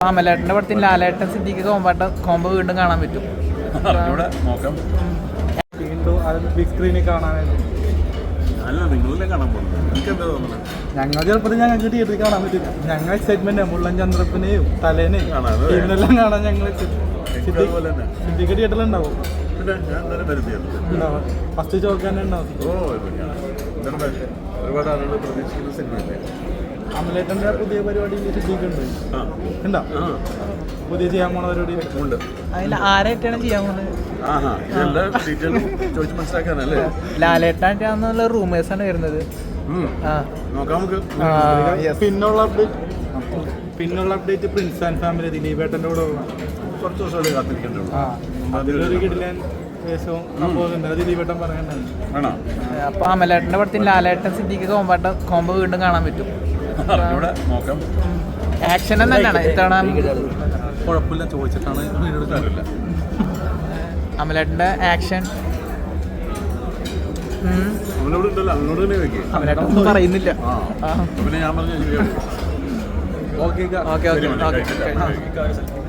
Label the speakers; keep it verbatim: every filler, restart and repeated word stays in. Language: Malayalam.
Speaker 1: അമലേട്ടൻ്റെ പടത്തിൽ ലാലേട്ടൻ സിദ്ദീഖ് കോമ്പാട്ട കോമ്പോ വീണ്ടും കാണാൻ പറ്റും.
Speaker 2: വീണ്ടും അത് ബിഗ് സ്ക്രീനിൽ കാണാനായിട്ട് ഞങ്ങൾ ചെറുപ്പത്തിൽ ഞങ്ങൾക്ക് തിയേറ്ററിൽ കാണാൻ പറ്റില്ല. ഞങ്ങൾ എക്സൈറ്റ്മെന്റ് മുള്ളൻ ചന്ദ്രപ്പനെയും തലേനെയും ടീമിനെല്ലാം കാണാൻ ഞങ്ങൾ സിദ്ദീഖ് തിയേറ്ററിൽ ഉണ്ടാവും. ഫസ്റ്റ് ചോക്ക് തന്നെ ഉണ്ടാവും. അമലേട്ടൻ്റെ പുതിയ പരിപാടി സിദ്ദീഖ് ഉണ്ട് ഉണ്ടോ? പുതിയ ചെയ്യാൻ പോണ പരിപാടി ഉണ്ട്.
Speaker 1: അതിൽ ആരായിട്ടാണ് ചെയ്യാൻ പോകുന്നത്? ലാലേട്ടായിട്ടാന്നുള്ള റൂമേഴ്സാണ് വരുന്നത്.
Speaker 2: പിന്നുള്ള അപ്ഡേറ്റ് പിന്നുള്ള അപ്ഡേറ്റ് പ്രിൻസ് ആൻഡ് ഫാമിലി ദിലീപേട്ടൻ്റെ കൂടെ
Speaker 3: കുറച്ച് ദിവസമല്ലേ കാത്തിരിക്കേണ്ടത്.
Speaker 2: അതിലൊരു കിടിലൻ വേഷവും സംഭവം ദിലീപേട്ടൻ പറയണ്ടായി.
Speaker 1: അപ്പൊ അമലേട്ടൻ്റെ പടത്തിൽ ലാലേട്ടൻ സിദ്ദീഖ് കോമ്പാട്ട കോമ്പോ വീണ്ടും കാണാൻ പറ്റും. ആക്ഷൻ തന്നെയാണ് ഇത്തവണ.
Speaker 3: കുഴപ്പമില്ല, ചോദിച്ചിട്ടാണ് വീടെടുക്കാറില്ല.
Speaker 1: അമലേട്ടൻ്റെ ആക്ഷൻ
Speaker 3: അവനോട് ഉണ്ടല്ലോ, അവനോട് തന്നെ വെക്കേ.
Speaker 1: അമലേട്ടൻ ഒന്നും പറയുന്നില്ല.
Speaker 3: പിന്നെ ഞാൻ പറഞ്ഞു
Speaker 1: ഓക്കെ ഓക്കെ ഓക്കെ